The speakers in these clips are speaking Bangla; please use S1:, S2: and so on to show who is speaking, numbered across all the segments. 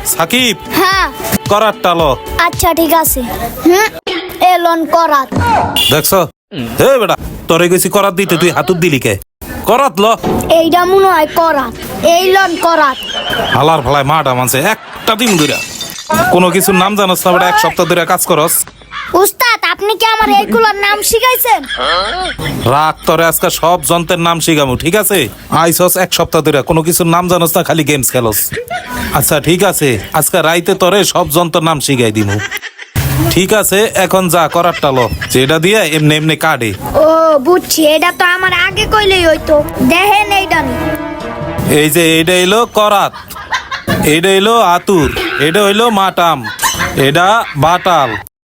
S1: সাকিব
S2: হ্যাঁ
S1: করাত টালো।
S2: আচ্ছা ঠিক আছে। এলন করাত।
S1: দেখছো হে বেটা তোরে গেছি করাত দিতে তুই হাতুর দিলি কে? করাত ল।
S2: এইটা মনে হয় করাত। এইলন করাত।
S1: হালার ফালায় মাটা মানছে একটা দিন ধরে কোনো কিছুর নাম জানোস না বেটা, এক সপ্তাহ ধরে কাজ করস।
S2: উস্তাদ আপনি কি আমার এইগুলোর নাম শিখাইছেন?
S1: রাগ তোরে আজকে সব যন্ত্রের নাম শিখামু, ঠিক আছে? আইসস এক সপ্তাহ ধরে কোনো কিছুর নাম জানোস না, খালি গেমস খেলস। আচ্ছা ঠিক আছে, আজকে রাইতে তোরে সব যন্ত্রের নাম শিখাই দিমু। ঠিক আছে এখন যা করার টালো, যেটা দিয়ে এমনি এমনি কাটে।
S2: ও বুঝছি, এটা তো আমার আগে কইলেই হইতো। দেখেন এইটা নি।
S1: এই যে এইটা হইলো করাত, এইটা হইলো আতুর, এটা হইলো মাটাম, এটা বাটাল।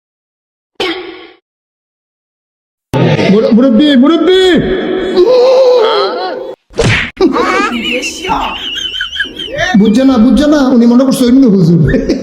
S3: মুরব্বি মুরব্বি বুঝছে না উনি মনে করছে অন্য হুজুর।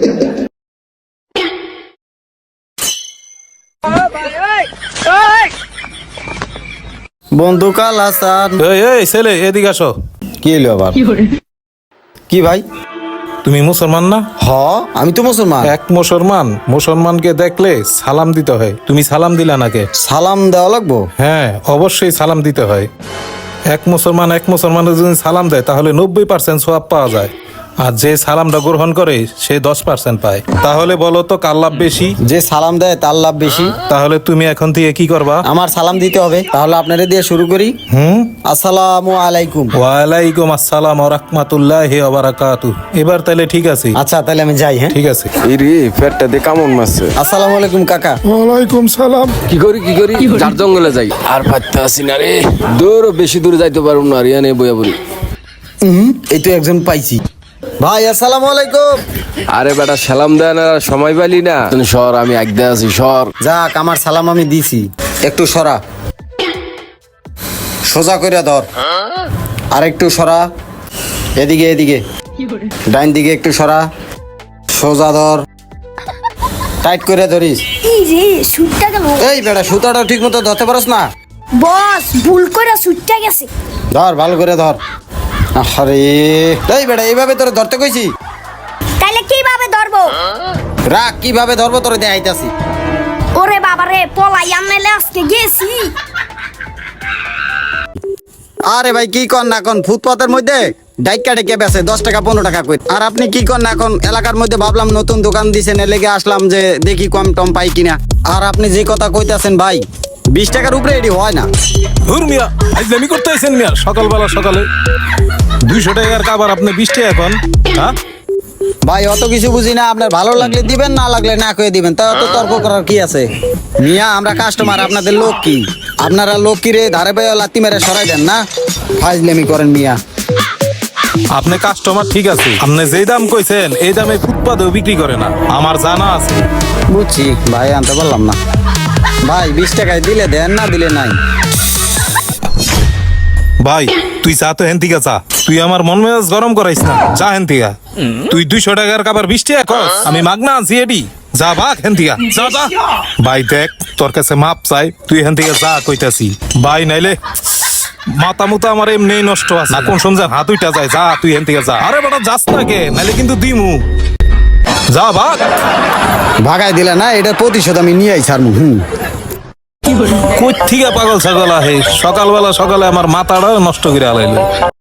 S4: বন্ধু কাল হাসান।
S1: এই এই ছেলে এদিকে আসো।
S4: কি হলো আবার? কি ভাই?
S1: তুমি মুসলমান না?
S4: হ আমি তো মুসলমান।
S1: এক মুসলমানকে দেখলে সালাম দিতে হয়, তুমি সালাম দিলা নাকে?
S4: সালাম দেওয়া লাগবো?
S1: হ্যাঁ অবশ্যই সালাম দিতে হয়। এক মুসলমানের যদি সালাম দেয় তাহলে 90% সওয়াব পাওয়া যায়, আর যে সালামটা গ্রহণ করে সে 10% পায়। তাহলে বলো তো কার লাভ বেশি?
S4: যে সালাম দেয় তার লাভ বেশি।
S1: তাহলে তুমি এখন থেকে কি করবা?
S4: আমার সালাম দিতে হবে। তাহলে আপনারা দিয়ে শুরু করি। আসসালামু আলাইকুম।
S1: ওয়ালাইকুম আসসালাম ওয়া রাহমাতুল্লাহি ওয়া বারাকাতুহু। এবার তাহলে ঠিক আছে।
S4: আচ্ছা তাহলে আমি যাই। হ্যাঁ
S1: ঠিক আছে।
S5: এই রে পেটটা দিয়ে কেমন মারছে।
S4: আসসালামু আলাইকুম কাকা।
S3: ওয়ালাইকুম সালাম।
S5: কি করি যার জঙ্গলে যাই আর পাইতে আসি না রে। দূর বেশি দূরে যাইতে পারবো না, রিয়ানে বইয়া বলি।
S4: এই তো একজন পাইছি। ভাই আসসালামু আলাইকুম।
S5: আরে বেটা সালাম দেয় না, সময় পাইলি না? সর আমি একদে আছি, সর।
S4: যাক আমার সালাম আমি দিছি। একটু সরা, সোজা করে ধর। আর একটু সরা, এদিকে এদিকে, ডাইন দিকে একটু সরা, সোজা ধর, টাইট করে ধরিস।
S2: এই রে সুটটা গেল।
S4: এই বেটা সুতাটা ঠিক মতো ধরতে পারস না?
S2: বস ভুল করে সুটটা গেছে।
S4: ধর ভালো করে ধর। আরে এই বেটা এইভাবে তোরে ধরতে কইছি।
S2: তাইলে কিভাবে ধরবো?
S4: রাখ কিভাবে ধরবো তোরে দেখাইতাছি।
S2: ওরে বাবা রে, পলাই আনলে আজকে গেছি।
S4: আরে ভাই কি কর না এখন ফুটপাতের মধ্যে ডাইকা ডেকে বেছে 10 টাকা 15 টাকা কই। আর আপনি কি কর না এখন এলাকার মধ্যে ভাবলাম নতুন দোকান দিছেন, এর লেগে আসলাম যে দেখি কম টম পাই কিনা। আর আপনি যে কথা কইতাছেন ভাই 20 টাকার উপরে এডি হয় না।
S1: ধুর মিয়া আইজলামি করতে আইছেন মিয়া, সকালবেলা সকালে 200 টাকার কাবার আপনি 20 টাকা এখন। হ্যাঁ
S4: ভাই অত কিছু বুঝি না, আপনার ভালো লাগলে দিবেন, না লাগলে না কয়ে দিবেন, তা অত তর্ক করার কি আছে? মিয়া আমরা কাস্টমার, আপনাদের লোক কি? আপনারা লোক কি রে ধারে পায়ে লাত্তি মেরে সরাই দেন না? ফাজলামি করেন মিয়া।
S1: আপনি কাস্টমার ঠিক আছে, আপনি যেই দাম কইছেন এই দামে ফুটপাতেও বিক্রি করে না, আমার জানা আছে।
S4: বুঝছি ভাই, আনতে পারলাম না। ভাই 20 টাকায় দিলে দেন, না দিলে নাই।
S1: ভাই তুই যা তো হেন থেকে যা, তুই আমার মন মেজাজ গরম করাইস না, যা হেন থেকে। তুই 200 টাকার কাবার 20 টাকা কস, আমি মাগনা আছি এডি। যা ভাগ হেন থেকে, যা যা। ভাই দেখ তোর কাছে মাপ চাই, তুই হেন থেকে যা কইতাছি। ভাই নাইলে মাথা মুতা আমার এমনি নষ্ট আছে না, কোন সময় হাত উইটা যায়। যা তুই হেন থেকে যা। আরে বেটা যাস না কে, নাইলে কিন্তু দিমু। যা ভাগ।
S4: ভাগাই দিলে না, এটা প্রতিশোধ আমি নিয়ে আইছি।
S1: কই থেকে পাগল ছাগল আহে, সকালবেলা সকালে আমার মাথাটা নষ্ট করে আলাইলো।